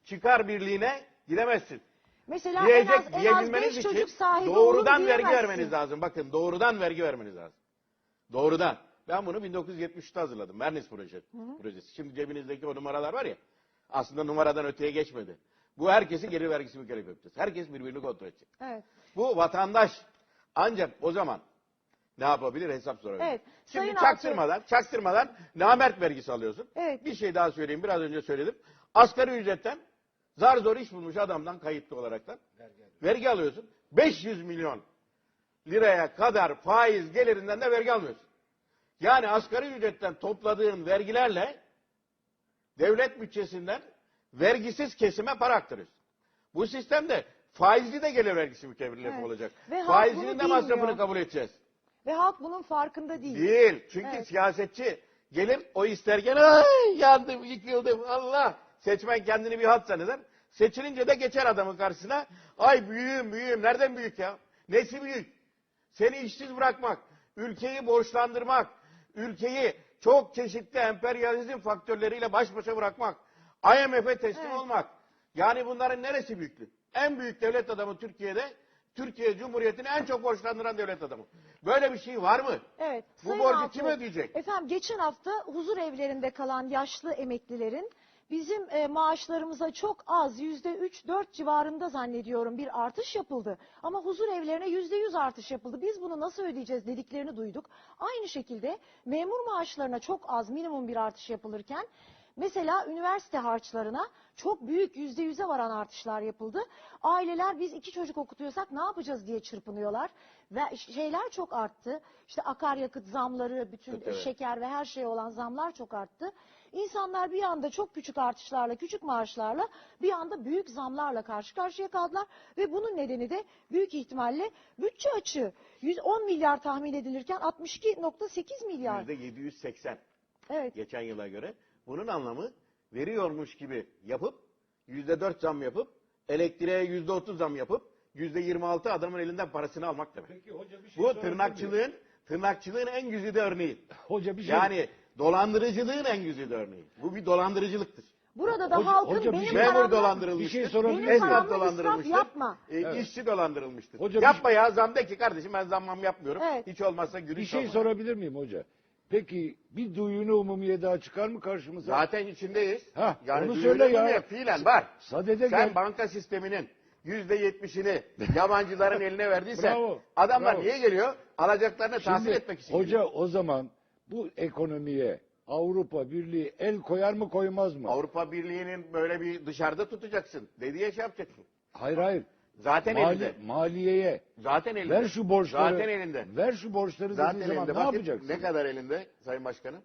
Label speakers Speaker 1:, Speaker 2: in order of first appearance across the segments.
Speaker 1: çıkar birliğine gidemezsin.
Speaker 2: Mesela en az 5
Speaker 1: Diyebilmeniz
Speaker 2: çocuk
Speaker 1: için
Speaker 2: sahibi
Speaker 1: doğrudan
Speaker 2: olun
Speaker 1: vergi
Speaker 2: diyemezsin.
Speaker 1: vermeniz lazım. Bakın doğrudan vergi vermeniz lazım. Doğrudan. Ben bunu 1973'te hazırladım. Mernis projesi. Şimdi cebinizdeki o numaralar var ya, aslında numaradan öteye geçmedi. Bu herkesin gelir vergisi mükellef yapacağız. Herkes birbirini kontrol edecek.
Speaker 2: Evet.
Speaker 1: Bu vatandaş ancak o zaman ne yapabilir? Hesap sorabilir.
Speaker 2: Evet.
Speaker 1: Şimdi
Speaker 2: Sayın
Speaker 1: çaktırmadan namert vergisi alıyorsun.
Speaker 2: Evet.
Speaker 1: Bir şey daha söyleyeyim. Biraz önce söyledim. Asgari ücretten zar zor iş bulmuş adamdan kayıtlı olaraktan vergi alıyorsun. 500 milyon liraya kadar faiz gelirinden de vergi almıyorsun. Yani asgari ücretten topladığın vergilerle devlet bütçesinden vergisiz kesime para aktarıyorsun. Bu sistemde faizli de gelir vergisi mükellef olacak.
Speaker 2: Ve halk
Speaker 1: Faizinin
Speaker 2: bunu
Speaker 1: de masrafını
Speaker 2: bilmiyor.
Speaker 1: kabul edeceğiz.
Speaker 2: Ve halk bunun farkında değil.
Speaker 1: Değil. Çünkü siyasetçi gelir o isterken ay yandım, yıkıldım, Allah. Seçmen kendini bir halt zanneder. Seçilince de geçer adamın karşısına. Ay büyüğüm. Nereden büyük ya? Nesi büyük? Seni işsiz bırakmak, ülkeyi borçlandırmak, ülkeyi çok çeşitli emperyalizm faktörleriyle baş başa bırakmak, IMF'e teslim olmak. Yani bunların neresi büyüklük? En büyük devlet adamı Türkiye'de, Türkiye Cumhuriyeti'ni en çok borçlandıran devlet adamı. Böyle bir şey var mı?
Speaker 2: Evet.
Speaker 1: Bu
Speaker 2: Sayın
Speaker 1: borcu
Speaker 2: Altuğ,
Speaker 1: kim ödeyecek?
Speaker 2: Efendim geçen hafta huzur evlerinde kalan yaşlı emeklilerin bizim maaşlarımıza çok az %3-4 civarında zannediyorum bir artış yapıldı. Ama huzur evlerine %100 artış yapıldı. Biz bunu nasıl ödeyeceğiz dediklerini duyduk. Aynı şekilde memur maaşlarına çok az minimum bir artış yapılırken mesela üniversite harçlarına çok büyük %100'e varan artışlar yapıldı. Aileler biz 2 çocuk okutuyorsak ne yapacağız diye çırpınıyorlar. Ve şeyler çok arttı. İşte akaryakıt zamları, bütün
Speaker 1: Evet.
Speaker 2: şeker ve her şeye olan zamlar çok arttı. İnsanlar bir anda çok küçük artışlarla, küçük maaşlarla bir anda büyük zamlarla karşı karşıya kaldılar. Ve bunun nedeni de büyük ihtimalle bütçe açığı. 110 milyar tahmin edilirken 62,8 milyar.
Speaker 1: %780.
Speaker 2: Evet.
Speaker 1: Geçen yıla göre. Bunun anlamı veriyormuş gibi yapıp %4 zam yapıp elektriğe %30 zam yapıp %26 adamın elinden parasını almak demek.
Speaker 3: Peki hoca bir şey
Speaker 1: Bu
Speaker 3: sorabilir miyim?
Speaker 1: tırnakçılığın en güzide örneği.
Speaker 3: Hoca bir şey.
Speaker 1: Yani dolandırıcılığın en güzide örneği. Bu bir dolandırıcılıktır.
Speaker 2: Burada da
Speaker 3: Hoca-
Speaker 2: halkın
Speaker 3: hoca bir
Speaker 2: benim
Speaker 3: şey-
Speaker 1: Memur
Speaker 2: paramla,
Speaker 1: dolandırılmıştır.
Speaker 3: Bir şey sorabilir
Speaker 2: benim
Speaker 3: miyim?
Speaker 1: Esnaf
Speaker 2: paramla israf
Speaker 1: dolandırılmıştır.
Speaker 2: yapma.
Speaker 1: İşçi dolandırılmıştır.
Speaker 3: Hoca
Speaker 1: Yapma ya, zam de ki kardeşim ben zammam yapmıyorum.
Speaker 2: Evet.
Speaker 1: Hiç olmazsa
Speaker 3: Bir
Speaker 1: gülüş
Speaker 3: şey
Speaker 1: olmaz.
Speaker 3: sorabilir miyim hoca? Peki bir duyunu umumiye daha çıkar mı karşımıza?
Speaker 1: Zaten içindeyiz.
Speaker 3: Hah,
Speaker 1: Yani
Speaker 3: onu
Speaker 1: duyuru
Speaker 3: söyle ya.
Speaker 1: mu? Fiilen var.
Speaker 3: Sadede
Speaker 1: Sen
Speaker 3: gel.
Speaker 1: banka sisteminin %70'ini yabancıların eline verdiysen
Speaker 3: Bravo,
Speaker 1: adamlar
Speaker 3: bravo.
Speaker 1: niye geliyor? Alacaklarını tahsil
Speaker 3: Şimdi
Speaker 1: etmek için
Speaker 3: hoca
Speaker 1: geliyor.
Speaker 3: o zaman bu ekonomiye Avrupa Birliği el koyar mı koymaz mı?
Speaker 1: Avrupa Birliği'nin böyle bir dışarıda tutacaksın dediği şey yapacaksın.
Speaker 3: Hayır.
Speaker 1: Zaten elinde.
Speaker 3: Maliyeye.
Speaker 1: Zaten elinde.
Speaker 3: Ver şu borçları.
Speaker 1: Zaten elinde.
Speaker 3: Ver şu borçları
Speaker 1: Zaten
Speaker 3: dediği zaman
Speaker 1: elinde.
Speaker 3: ne
Speaker 1: Bakın
Speaker 3: yapacaksın?
Speaker 1: ne kadar elinde Sayın Başkanım?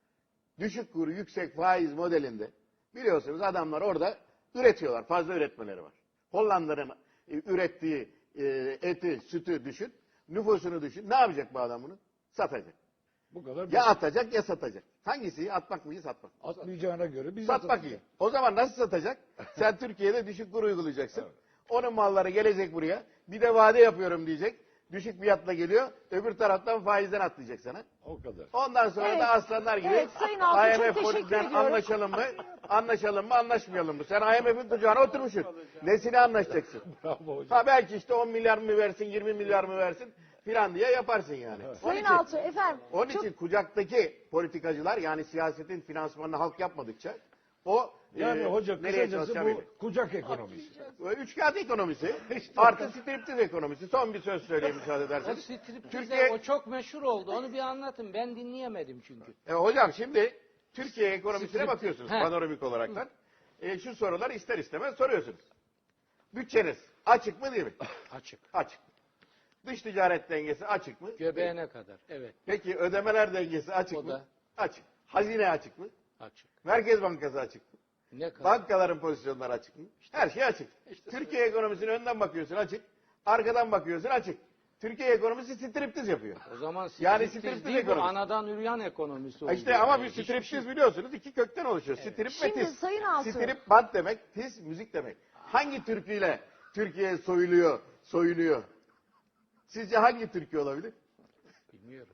Speaker 1: Düşük kur, yüksek faiz modelinde. Biliyorsunuz adamlar orada üretiyorlar. Fazla üretmeleri var. Hollanda'nın ürettiği eti, sütü düşün. Nüfusunu düşün. Ne yapacak bu adam bunu? Satacak.
Speaker 3: Bu kadar.
Speaker 1: Ya atacak ya satacak. Hangisi iyi? Atmak mı iyi, satmak mı?
Speaker 3: Atmayacağına göre biz
Speaker 1: Satmak iyi. O zaman nasıl satacak? Sen Türkiye'de düşük kur uygulayacaksın.
Speaker 3: Evet.
Speaker 1: Onun malları gelecek buraya. Bir de vade yapıyorum diyecek. Düşük fiyatla geliyor. Öbür taraftan faizden atlayacak sana.
Speaker 3: O kadar.
Speaker 1: Ondan sonra
Speaker 2: Evet.
Speaker 1: da aslanlar gibi
Speaker 2: Evet, Sayın Altuğ, çok
Speaker 1: IMF
Speaker 2: teşekkür
Speaker 1: politikten
Speaker 2: ediyorum.
Speaker 1: anlaşalım mı? Anlaşalım mı, anlaşmayalım mı? Sen IMF'in kucağına oturmuşsun. Nesini anlaşacaksın?
Speaker 3: Bravo hocam.
Speaker 1: Ha belki işte 10 milyar mı versin, 20 milyar mı versin filan diye yaparsın yani.
Speaker 2: Sayın Altuğ efendim.
Speaker 1: Onun
Speaker 2: çok-
Speaker 1: için kucaktaki politikacılar yani siyasetin finansmanını halk yapmadıkça o
Speaker 3: Yani hoca
Speaker 1: nereye
Speaker 3: kısacası
Speaker 1: çalışacağı
Speaker 3: bu
Speaker 1: belli.
Speaker 3: kucak ekonomisi.
Speaker 1: Üçkağıt ekonomisi artı striptiz ekonomisi. Son bir söz söyleyeyim müsaade
Speaker 4: O
Speaker 1: ederseniz.
Speaker 4: striptize
Speaker 1: Türkiye,
Speaker 4: o çok meşhur oldu. Onu bir anlatın. Ben dinleyemedim çünkü.
Speaker 1: hocam şimdi Türkiye ekonomisine
Speaker 4: Strip-
Speaker 1: bakıyorsunuz
Speaker 4: He.
Speaker 1: panoramik olaraktan. Şu soruları ister istemez soruyorsunuz. Bütçeniz açık mı değil mi?
Speaker 4: Açık.
Speaker 1: Açık. Dış ticaret dengesi açık mı?
Speaker 4: Göbeğine kadar. Evet.
Speaker 1: Peki ödemeler dengesi açık
Speaker 4: O
Speaker 1: mı?
Speaker 4: da.
Speaker 1: Açık. Hazine açık mı?
Speaker 4: Açık.
Speaker 1: Merkez Bankası açık mı?
Speaker 4: Ne kadar?
Speaker 1: Bankaların pozisyonları açık mı? Her şey açık. Türkiye ekonomisine önden bakıyorsun açık. Arkadan bakıyorsun açık. Türkiye ekonomisi striptiz yapıyor.
Speaker 4: O zaman
Speaker 1: Yani
Speaker 4: striptiz
Speaker 1: striptiz
Speaker 4: değil bu,
Speaker 1: ekonomisi.
Speaker 4: anadan üreyen ekonomisi oldu.
Speaker 1: İşte ama bir
Speaker 4: Hiçbir
Speaker 1: striptiz
Speaker 4: şey-
Speaker 1: biliyorsunuz iki kökten oluşuyor. Strip ve
Speaker 2: Şimdi
Speaker 1: tiz.
Speaker 2: Sayın Altuğ.
Speaker 1: Strip band demek, tiz müzik demek. Hangi türküyle Türkiye soyuluyor, soyunuyor? Sizce hangi türkü olabilir?
Speaker 4: Bilmiyorum.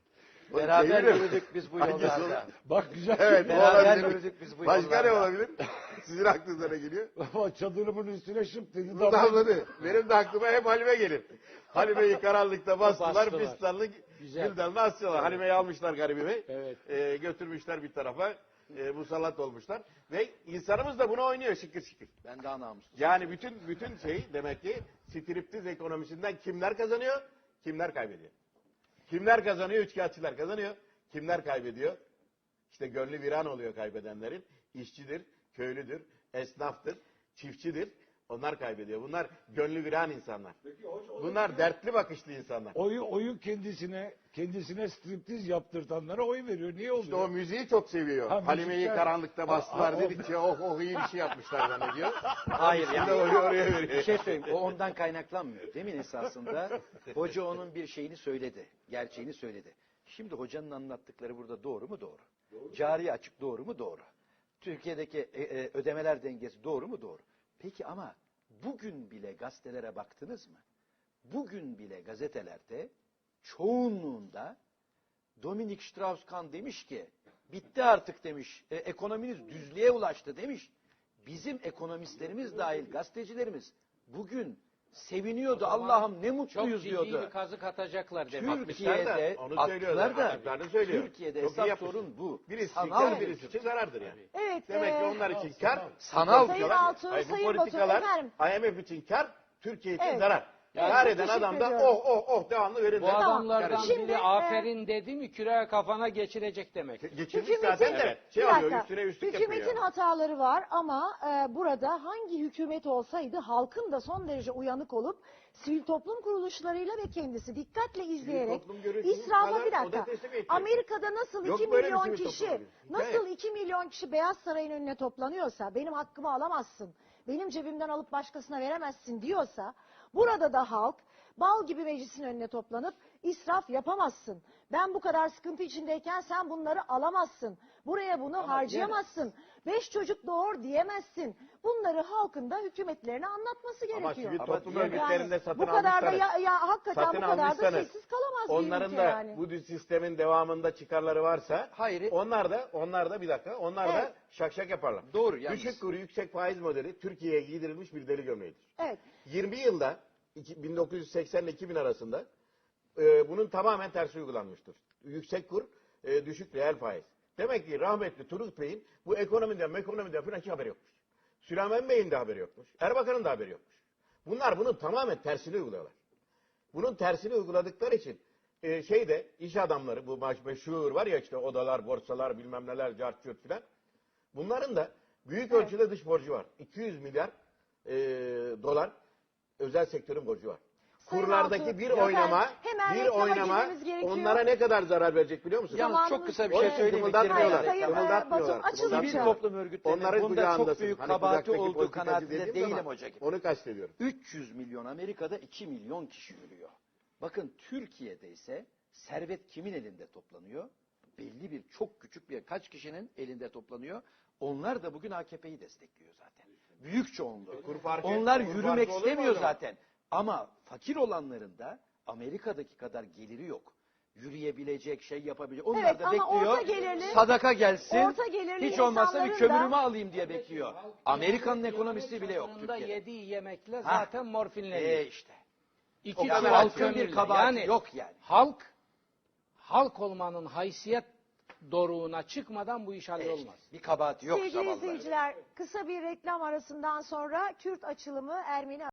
Speaker 5: Beraber
Speaker 1: Çeviriyor.
Speaker 5: yürüdük biz bu
Speaker 1: Hangisi
Speaker 5: yollarda.
Speaker 3: Bak güzel.
Speaker 1: Evet, o
Speaker 5: Beraber
Speaker 1: olabilir.
Speaker 5: yürüdük biz bu
Speaker 1: Başka ne
Speaker 5: yollarda.
Speaker 1: olabilir? Sizin aklınıza ne geliyor?
Speaker 3: Ama çadırımın üstüne şıp dedi.
Speaker 1: Bu damladı. Benim de aklıma hep Halime gelir. Halime'yi karanlıkta bastılar,
Speaker 4: Bastılar.
Speaker 1: fistanlı
Speaker 4: Güzel.
Speaker 1: gül dalına asıyorlar. Halime'yi almışlar garibimi.
Speaker 4: Evet.
Speaker 1: Götürmüşler bir tarafa. Musallat olmuşlar. Ve insanımız da bunu oynuyor şıkır şıkır.
Speaker 5: Ben daha namussuz.
Speaker 1: Yani bütün şey demek ki striptiz ekonomisinden kimler kazanıyor, kimler kaybediyor. Kimler kazanıyor? Üçkağıtçılar kazanıyor. Kimler kaybediyor? İşte gönlü viran oluyor kaybedenlerin. İşçidir, köylüdür, esnaftır, çiftçidir. Onlar kaybediyor. Bunlar gönlü viran insanlar. Bunlar dertli bakışlı insanlar.
Speaker 3: Oyu kendisine striptiz yaptırtanlara oy veriyor. Niye oluyor?
Speaker 1: İşte o müziği çok seviyor.
Speaker 3: Ha,
Speaker 1: Halime'yi
Speaker 3: müzikler-
Speaker 1: karanlıkta bastılar
Speaker 3: Ha,
Speaker 1: dedikçe oh iyi bir şey yapmışlar zannediyor.
Speaker 5: Hayır
Speaker 1: Şimdi
Speaker 5: yani.
Speaker 1: oraya veriyor.
Speaker 5: Bir şey söyleyeyim. O ondan kaynaklanmıyor. Demin esasında hoca onun bir şeyini söyledi. Gerçeğini söyledi. Şimdi hocanın anlattıkları burada doğru mu? Doğru. Cari açık doğru mu? Doğru. Türkiye'deki ödemeler dengesi doğru mu? Doğru. Peki ama bugün bile gazetelere baktınız mı? Bugün bile gazetelerde çoğunluğunda Dominik Strauss-Kahn demiş ki bitti artık demiş. Ekonominiz düzlüğe ulaştı demiş. Bizim ekonomistlerimiz dahil gazetecilerimiz bugün seviniyordu. Allah'ım ne
Speaker 4: Çok
Speaker 5: mutluyuz
Speaker 4: ciddi
Speaker 5: diyordu.
Speaker 4: bir kazık atacaklar demek.
Speaker 5: Türkiye'de
Speaker 1: Onu söylüyorlar.
Speaker 5: attılar da
Speaker 1: Attıklarını söylüyor.
Speaker 5: Türkiye'de
Speaker 1: Çok iyi
Speaker 5: esas
Speaker 1: yapmışlar.
Speaker 5: sorun bu.
Speaker 1: Birisi
Speaker 5: Sanal
Speaker 1: kar,
Speaker 5: bir
Speaker 1: birisi için zarardır yani.
Speaker 2: Evet.
Speaker 1: Demek ki onlar için kar.
Speaker 5: Sanal
Speaker 2: Sayın
Speaker 5: diyorlar.
Speaker 2: Altuğ,
Speaker 1: Hayır, bu
Speaker 2: Sayın Batu,
Speaker 1: politikalar
Speaker 2: efendim.
Speaker 1: IMF için kar, Türkiye için
Speaker 2: Evet.
Speaker 1: zarar.
Speaker 2: Evet,
Speaker 1: Kar
Speaker 2: çok
Speaker 1: eden
Speaker 2: teşekkür
Speaker 1: adam da
Speaker 2: ediyorum.
Speaker 1: oh devamlı verirler.
Speaker 4: Bu adamlardan
Speaker 2: Şimdi,
Speaker 4: biri aferin dedi mi küreği kafana geçirecek demek.
Speaker 1: Geçirmiş
Speaker 2: Hükümetin-
Speaker 1: zaten de şey
Speaker 2: Bir
Speaker 1: alıyor,
Speaker 2: dakika.
Speaker 1: üstüne üstlük
Speaker 2: Hükümetin
Speaker 1: yapıyor.
Speaker 2: hataları var ama burada hangi hükümet olsaydı halkın da son derece uyanık olup sivil toplum kuruluşlarıyla ve kendisi dikkatle izleyerek
Speaker 1: toplum görüşünün
Speaker 2: israfa
Speaker 1: kadar
Speaker 2: bir
Speaker 1: o da
Speaker 2: dakika.
Speaker 1: teslim edecek.
Speaker 2: Amerika'da nasıl
Speaker 1: Yok
Speaker 2: 2
Speaker 1: böyle bir
Speaker 2: milyon
Speaker 1: sivil
Speaker 2: kişi
Speaker 1: toplum örgütü.
Speaker 2: nasıl
Speaker 1: Hikaye.
Speaker 2: 2 milyon kişi Beyaz Saray'ın önüne toplanıyorsa benim hakkımı alamazsın. Benim cebimden alıp başkasına veremezsin diyorsa burada da halk bal gibi meclisin önüne toplanıp israf yapamazsın. Ben bu kadar sıkıntı içindeyken sen bunları alamazsın. Buraya bunu harcayamazsın. 5 çocuk doğur diyemezsin. Bunları halkın da hükümetlerine anlatması
Speaker 1: Ama
Speaker 2: gerekiyor.
Speaker 1: sivil toplum
Speaker 5: diğer-
Speaker 1: örgütlerinde satın
Speaker 2: bu kadar da
Speaker 1: almışsanız,
Speaker 2: hakikaten
Speaker 1: satın
Speaker 2: bu kadar da
Speaker 1: almışsanız,
Speaker 2: sessiz kalamaz bir
Speaker 1: onların
Speaker 2: ülke
Speaker 1: da
Speaker 2: yani.
Speaker 1: bu sistemin devamında çıkarları varsa,
Speaker 5: Hayır.
Speaker 1: onlar da bir dakika, onlar da
Speaker 2: Evet.
Speaker 1: şak şak yaparlar.
Speaker 5: Doğru yalnız.
Speaker 1: Düşük kuru yüksek faiz modeli Türkiye'ye giydirilmiş bir deli gömleğidir.
Speaker 2: Evet.
Speaker 1: 20 yılda 1980 ile 2000 arasında bunun tamamen tersi uygulanmıştır. Yüksek kur, düşük reel faiz. Demek ki rahmetli Turgut Bey'in bu ekonomiden falan hiç haberi yokmuş. Süleyman Bey'in de haberi yokmuş. Erbakan'ın da haberi yokmuş. Bunlar bunun tamamen tersini uyguluyorlar. Bunun tersini uyguladıkları için iş adamları bu meşhur var ya işte odalar, borsalar bilmem neler, cart curt filan. Bunların da büyük ölçüde dış borcu var. 200 milyar dolar özel sektörün borcu var.
Speaker 2: Sayın
Speaker 1: Kurlardaki
Speaker 2: Altuğ,
Speaker 1: bir
Speaker 2: efendim,
Speaker 1: oynama,
Speaker 2: hemen
Speaker 1: bir
Speaker 2: reklama
Speaker 1: oynama
Speaker 2: girmemiz gerekiyor.
Speaker 1: onlara ne kadar zarar verecek biliyor musun?
Speaker 5: Yalnız çok kısa bir şey
Speaker 2: Zamanımız-
Speaker 5: söyleyeyim.
Speaker 1: Kımıldatmıyorlar.
Speaker 2: Sayın,
Speaker 1: Kımıldatmıyorlar.
Speaker 2: Batum, açılın
Speaker 5: Sivil
Speaker 2: lütfen.
Speaker 5: toplum örgütlerinin
Speaker 1: Onların
Speaker 5: bunda çok
Speaker 1: kucağındasın.
Speaker 5: büyük
Speaker 1: Hani
Speaker 5: kabahati
Speaker 1: kucaktaki
Speaker 5: olduğu
Speaker 1: politikacı
Speaker 5: kanaatinde
Speaker 1: dediğim
Speaker 5: değilim
Speaker 1: ama
Speaker 5: hoca gibi.
Speaker 1: Onu kastediyorum.
Speaker 5: 300 milyon Amerika'da 2 milyon kişi yürüyor. Bakın Türkiye'de ise servet kimin elinde toplanıyor? Belli bir çok küçük bir kaç kişinin elinde toplanıyor. Onlar da bugün AKP'yi destekliyor zaten. Büyük çoğunluğu.
Speaker 1: Kur farkı-
Speaker 5: Onlar
Speaker 1: kur
Speaker 5: yürümek
Speaker 1: farkı olur mu
Speaker 5: istemiyor
Speaker 1: o zaman?
Speaker 5: zaten. Ama fakir olanların da Amerika'daki kadar geliri yok. Yürüyebilecek, şey yapabilecek. Onlar
Speaker 2: Evet,
Speaker 5: da
Speaker 2: ama
Speaker 5: bekliyor.
Speaker 2: orta gelirli-
Speaker 5: sadaka gelsin.
Speaker 2: orta gelirli
Speaker 5: Hiç olmazsa bir
Speaker 2: insanların da-
Speaker 5: kömürümü alayım diye bekliyor. Amerika'nın ekonomisi bile yok
Speaker 4: Sonunda
Speaker 5: Türkiye'de.
Speaker 4: yediği yemekle zaten morfinleniyor.
Speaker 5: İşte.
Speaker 4: İki
Speaker 1: O kadar
Speaker 4: çuval
Speaker 5: Halkın
Speaker 4: kömürle.
Speaker 5: bir kabahati
Speaker 4: Yani
Speaker 5: yok yani.
Speaker 4: halk olmanın haysiyet doruğuna çıkmadan bu iş hallolmaz.
Speaker 5: Bir kabahati yok
Speaker 2: Sevgili
Speaker 5: zavallıların.
Speaker 2: izleyiciler, kısa bir reklam arasından sonra Kürt açılımı Ermeni